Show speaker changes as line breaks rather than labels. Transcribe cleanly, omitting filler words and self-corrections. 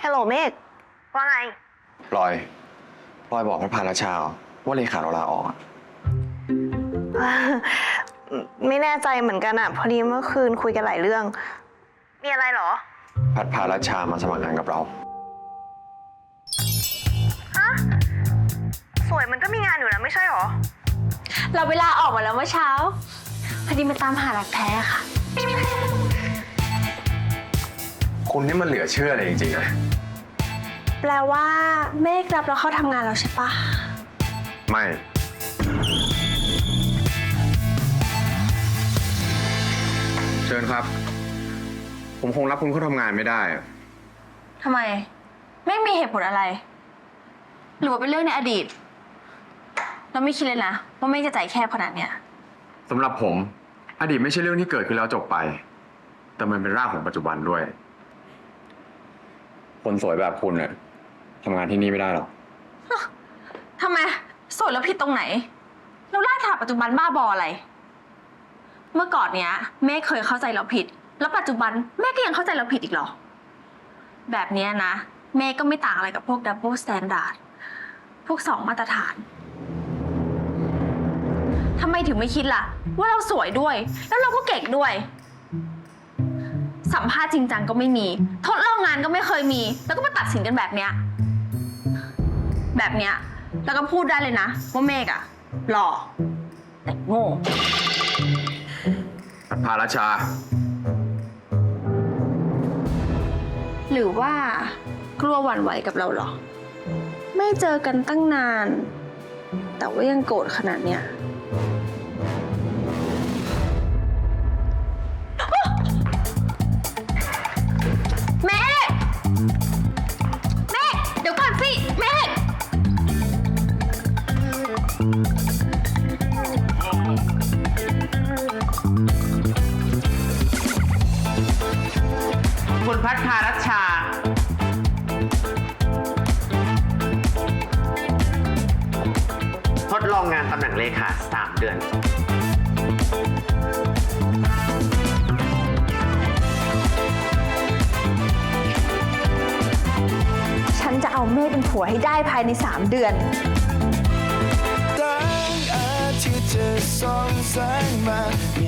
ฮัลโหลเมฆว่าไง
พลอยบอกพระพาราชาว่าเลขาเราลาออกอะ
ไม่แน่ใจเหมือนกันอะพอดีเมื่อคืนคุยกันหลายเรื่อง มีอะไรเหรอ
พัดพาราชามาสมัครงานกับเรา
ฮะ สวยมันก็มีงานอยู่นะไม่ใช่หรอ
เราเวลาออกมาแล้วเมื่อเช้าพอดีมาตามหารักแท้ค่ะ
คุณนี่มันเหลือเชื่อเลยจริงๆนะ
แปลว่าเมฆรับเราเข้าทำงานแล้วใช่ปะ
ไม่ เชิญครับ ผมคงรับคุณเข้าทำงานไม่ได้
ทำไมไม่มีเหตุผลอะไร หรือว่าเป็นเรื่องในอดีต เราไม่คิดเลยนะว่าเมฆจะใจแคบขนาดเนี้ย
สำหรับผม อดีตไม่ใช่เรื่องที่เกิดขึ้นแล้วจบไป แต่มันเป็นรากของปัจจุบันด้วย คนสวยแบบคุณเนี่ยทำงานที่นี่ไม่ได้หรอก
ทำไมสวยแล้วผิดตรงไหนเราล่าถาปัจจุบันบ้าบออะไร เมื่อก่อนเนี้ยเมฆเคยเข้าใจเราผิด แล้วปัจจุบันเมฆก็ยังเข้าใจเราผิดอีกเหรอ แบบเนี้ยนะเมฆก็ไม่ต่างอะไรกับพวก double standard พวก2 มาตรฐานทำไมถึงไม่คิดล่ะ ว่าเราสวยด้วย แล้วเราก็เก่งด้วย สัมภาษณ์จริงจังก็ไม่มีทดลองงานก็ไม่เคยมี แล้วก็มาตัดสินกันแบบเนี้ยแล้วก็พูดได้เลยนะว่าเมฆอะหล่อแต่โง่
พัดพาราชา
หรือว่ากลัวหวั่นไหวกับเราเหรอ ไม่เจอกันตั้งนาน แต่ว่ายังโกรธขนาดเนี้ยแม่เดี๋ยวก่อนสิแม่
คุณพัฒพารัชชา ทดลองงานตำแหน่งเลขา3 เดือน
ฉันจะเอาเมฆเป็นผัวให้ได้ภายใน3 เดือน
แสงอาทิตย์จะส่องแสงมา